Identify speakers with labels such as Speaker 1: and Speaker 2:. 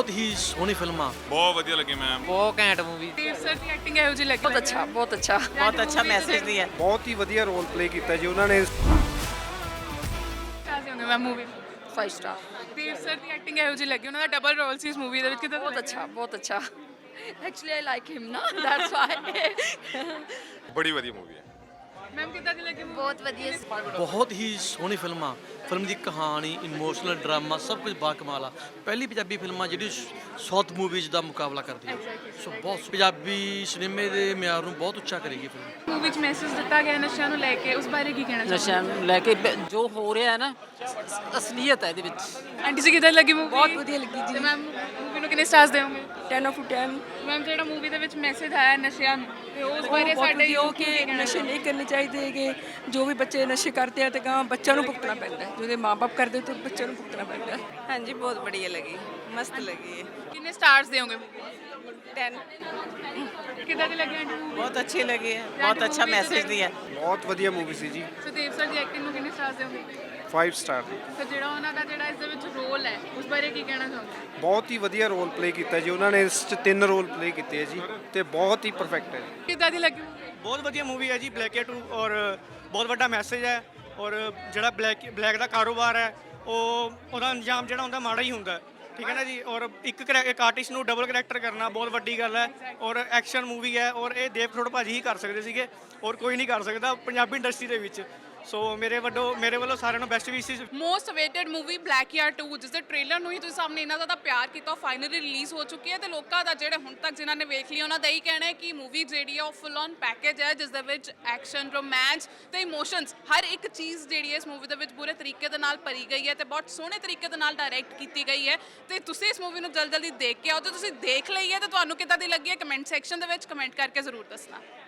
Speaker 1: ਬਹੁਤ ਹੀ ਸੋਹਣੀ ਫਿਲਮ ਆ।
Speaker 2: ਬਹੁਤ ਵਧੀਆ ਲੱਗੀ ਮੈਮ।
Speaker 3: ਬਹੁਤ ਘੈਂਟ मूवी।
Speaker 4: ਦੇਵ ਸਰ ਦੀ ਐਕਟਿੰਗ ਇਹੋ ਜਿਹੀ ਲੱਗੀ।
Speaker 5: ਬਹੁਤ ਅੱਛਾ ਬਹੁਤ ਅੱਛਾ
Speaker 6: ਬਹੁਤ ਅੱਛਾ ਮੈਸੇਜ ਦੀ ਹੈ।
Speaker 7: ਬਹੁਤ ਹੀ ਵਧੀਆ ਰੋਲ ਪਲੇ ਕੀਤਾ ਜੀ ਉਹਨਾਂ ਨੇ।
Speaker 4: ਕਾਜ਼ੀ ਹੁੰਦੇ ਮੈਂ ਮੂਵੀ
Speaker 5: 5 ਸਟਾਰ
Speaker 4: ਦੇਵ ਸਰ ਦੀ ਐਕਟਿੰਗ ਇਹੋ ਜਿਹੀ ਲੱਗੀ। ਉਹਨਾਂ ਦਾ ਡਬਲ ਰੋਲ ਸੀ ਇਸ ਮੂਵੀ ਦੇ ਵਿੱਚ। ਕਿਦਾਂ
Speaker 5: ਬਹੁਤ ਅੱਛਾ ਬਹੁਤ ਅੱਛਾ ਐਕਚੁਅਲੀ ਆਈ ਲਾਈਕ ਹਿਮ ਨਾ ਦੈਟਸ ਵਾਈ
Speaker 2: ਬੜੀ ਵਧੀਆ ਮੂਵੀ ਹੈ।
Speaker 4: ਮੈਮ ਕਿਦਾਂ ਦੀ ਲੱਗੀ movie?
Speaker 5: ਬਹੁਤ ਵਧੀਆ
Speaker 1: ਬਹੁਤ ਹੀ ਸੋਹਣੀ ਫਿਲਮ ਆ। ਫਿਲਮ ਦੀ ਕਹਾਣੀ, ਇਮੋਸ਼ਨਲ ਡਰਾਮਾ ਸਭ ਕੁਝ ਬਾਕਮਾਲ ਆ। ਪਹਿਲੀ ਪੰਜਾਬੀ ਫਿਲਮ ਆ ਜਿਹੜੀ ਸਾਊਥ ਮੂਵੀਜ਼ ਦਾ ਮੁਕਾਬਲਾ ਕਰਦੀ ਹੈ। ਸੋ ਬਹੁਤ ਪੰਜਾਬੀ ਸਿਨੇਮੇ ਦੇ ਮਿਆਰ ਨੂੰ ਬਹੁਤ ਉੱਚਾ ਕਰੇਗੀ ਫਿਲਮ।
Speaker 4: ਮੂਵੀ ਵਿੱਚ ਮੈਸੇਜ ਦਿੱਤਾ ਗਿਆ ਨਸ਼ਿਆਂ ਨੂੰ ਲੈ ਕੇ, ਉਸ ਬਾਰੇ ਕੀ ਕਹਿਣਾ ਚਾਹੁੰਦੇ?
Speaker 3: ਨਸ਼ਿਆਂ ਨੂੰ ਲੈ ਕੇ ਜੋ ਹੋ ਰਿਹਾ ਹੈ ਨਾ, ਅਸਲੀਅਤ ਹੈ ਇਹਦੇ ਵਿੱਚ।
Speaker 4: ਆਂਟੀ ਜੀ ਕਿਦਾਂ ਲੱਗੀ ਮੂਵੀ?
Speaker 5: ਬਹੁਤ ਵਧੀਆ ਲੱਗੀ ਜੀ।
Speaker 4: ਤੇ ਮੈਮ ਮੂਵੀ ਨੂੰ ਕਿੰਨੇ ਸਟਾਰਸ ਦੇਵੋਗੇ?
Speaker 5: 10 ਆਫ 10
Speaker 4: ਮੈਮ ਜਿਹੜਾ ਮੂਵੀ ਦੇ ਵਿੱਚ ਮੈਸੇਜ ਆਇਆ ਨਸ਼ਿਆਂ ਨੂੰ, ਤੇ ਉਸ ਬਾਰੇ ਸਾਡੇ
Speaker 8: ਉਹ ਕਿ ਨਸ਼ੇ ਨਹੀਂ ਕਰਨੇ ਚਾਹੀਦੇ ਹੈਗੇ। ਜੋ ਵੀ ਬੱਚੇ ਨਸ਼ੇ ਕਰਦੇ ਆ ਤੇ ਗਾਂ ਬੱਚਿਆਂ ਨੂੰ ਭੁਗਤਣਾ ਪੈਂਦਾ ਹੈ। ਜਿਹਦੇ ਮਾਪੇ ਕਰਦੇ ਤੇ ਬੱਚਿਆਂ ਨੂੰ ਭੁਗਤਣਾ ਪੈਂਦਾ ਹੈ।
Speaker 6: ਹਾਂਜੀ ਬਹੁਤ बढ़िया लगी, मस्त लगी है।
Speaker 4: ਕਿੰਨੇ ਸਟਾਰਸ ਦੇਵੋਗੇ?
Speaker 6: 10
Speaker 4: ਕਿਦਾਂ ਦੀ ਲੱਗੀ ਆਂਟੀ ਮੂਵੀ?
Speaker 6: बहुत अच्छी लगी है, बहुत अच्छा मैसेज दिया है।
Speaker 7: ਬਹੁਤ ਵਧੀਆ ਮੂਵੀ ਸੀ ਜੀ।
Speaker 4: ਸੁਦੇਵ ਸਰ ਦੀ ਐਕਟਿੰਗ ਨੂੰ ਕਿੰਨੇ ਸਟਾਰਸ ਦੇਵੋਗੇ?
Speaker 7: 5 ਸਟਾਰ।
Speaker 4: ਤੇ ਜਿਹੜਾ ਉਹਨਾਂ ਦਾ ਜਿਹੜਾ ਇਸ ਦੇ ਵਿੱਚ ਰੋਲ ਹੈ, ਉਸ ਬਾਰੇ ਕੀ ਕਹਿਣਾ ਚਾਹੁੰਦੇ?
Speaker 7: ਬਹੁਤ ਹੀ ਵਧੀਆ ਰੋਲ ਪਲੇ ਕੀਤਾ ਜੀ ਉਹਨਾਂ ਨੇ। ਇਸ 'ਚ 3 ਰੋਲ ਪਲੇ ਕੀਤੇ ਆ ਜੀ ਤੇ ਬਹੁਤ ਹੀ ਪਰਫੈਕਟ ਹੈ ਜੀ।
Speaker 4: ਕਿਦਾਂ ਦੀ ਲੱਗੀ movie?
Speaker 9: ਬਹੁਤ ਵਧੀਆ ਮੂਵੀ ਹੈ ਜੀ ਬਲੈਕ ਏ 2 ਔਰ ਬਹੁਤ ਵੱਡਾ ਮੈਸੇਜ ਹੈ। ਔਰ ਜਿਹੜਾ ਬਲੈਕ ਦਾ ਕਾਰੋਬਾਰ ਹੈ ਉਹਦਾ ਅੰਜਾਮ ਜਿਹੜਾ ਹੁੰਦਾ ਮਾੜਾ ਹੀ ਹੁੰਦਾ ਹੈ। ਠੀਕ ਹੈ ਨਾ ਜੀ। ਔਰ ਇੱਕ ਆਰਟਿਸਟ ਨੂੰ ਡਬਲ ਕਰੈਕਟਰ ਕਰਨਾ ਬਹੁਤ ਵੱਡੀ ਗੱਲ ਹੈ। ਔਰ ਐਕਸ਼ਨ ਮੂਵੀ ਹੈ ਔਰ ਇਹ ਦੇਵ ਥੋੜ ਭਾਜੀ ਹੀ ਕਰ ਸਕਦੇ ਸੀਗੇ ਔਰ ਕੋਈ ਨਹੀਂ ਕਰ ਸਕਦਾ ਪੰਜਾਬੀ ਇੰਡਸਟਰੀ ਦੇ ਵਿੱਚ। ਸੋ ਮੇਰੇ ਵੱਲੋਂ ਸਾਰਿਆਂ ਨੂੰ ਬੈਸਟ ਵਿਸ਼ੇਸ।
Speaker 4: ਮੋਸਟ ਅਵੇਟਡ ਮੂਵੀ ਬਲੈਕ ਯਾਰ 2, ਜਿਸ ਦੇ ਟ੍ਰੇਲਰ ਨੂੰ ਹੀ ਤੁਸੀਂ ਸਾਹਮਣੇ ਇੰਨਾ ਜ਼ਿਆਦਾ ਪਿਆਰ ਕੀਤਾ, ਫਾਈਨਲੀ ਰਿਲੀਜ਼ ਹੋ ਚੁੱਕੀ ਹੈ। ਤੇ ਲੋਕਾਂ ਦਾ ਜਿਹੜੇ ਹੁਣ ਤੱਕ ਜਿਨ੍ਹਾਂ ਨੇ ਵੇਖ ਲਈ ਉਹਨਾਂ ਦਾ ਇਹੀ ਕਹਿਣਾ ਹੈ ਕਿ ਮੂਵੀ ਜਿਹੜੀ ਹੈ ਉਹ ਫੁੱਲ ਔਨ ਪੈਕੇਜ ਹੈ, ਜਿਸ ਦੇ ਵਿੱਚ ਐਕਸ਼ਨ, ਰੋਮਾਂਸ ਤੇ ਇਮੋਸ਼ਨਸ ਹਰ ਇੱਕ ਚੀਜ਼ ਜਿਹੜੀ ਹੈ ਇਸ ਮੂਵੀ ਦੇ ਵਿੱਚ ਪੂਰੇ ਤਰੀਕੇ ਦੇ ਨਾਲ ਭਰੀ ਗਈ ਹੈ ਤੇ ਬਹੁਤ ਸੋਹਣੇ ਤਰੀਕੇ ਦੇ ਨਾਲ ਡਾਇਰੈਕਟ ਕੀਤੀ ਗਈ ਹੈ। ਤੇ ਤੁਸੀਂ ਇਸ ਮੂਵੀ ਨੂੰ ਜਲਦੀ ਦੇਖ ਕੇ ਆਓ। ਤੇ ਤੁਸੀਂ ਦੇਖ ਲਈ ਹੈ ਤੇ ਤੁਹਾਨੂੰ ਕਿੱਦਾਂ ਦੀ ਲੱਗੀ ਹੈ, ਕਮੈਂਟ ਸੈਕਸ਼ਨ ਦੇ ਵਿੱਚ ਕਮੈਂਟ ਕਰਕੇ ਜ਼ਰੂਰ ਦੱਸਣਾ।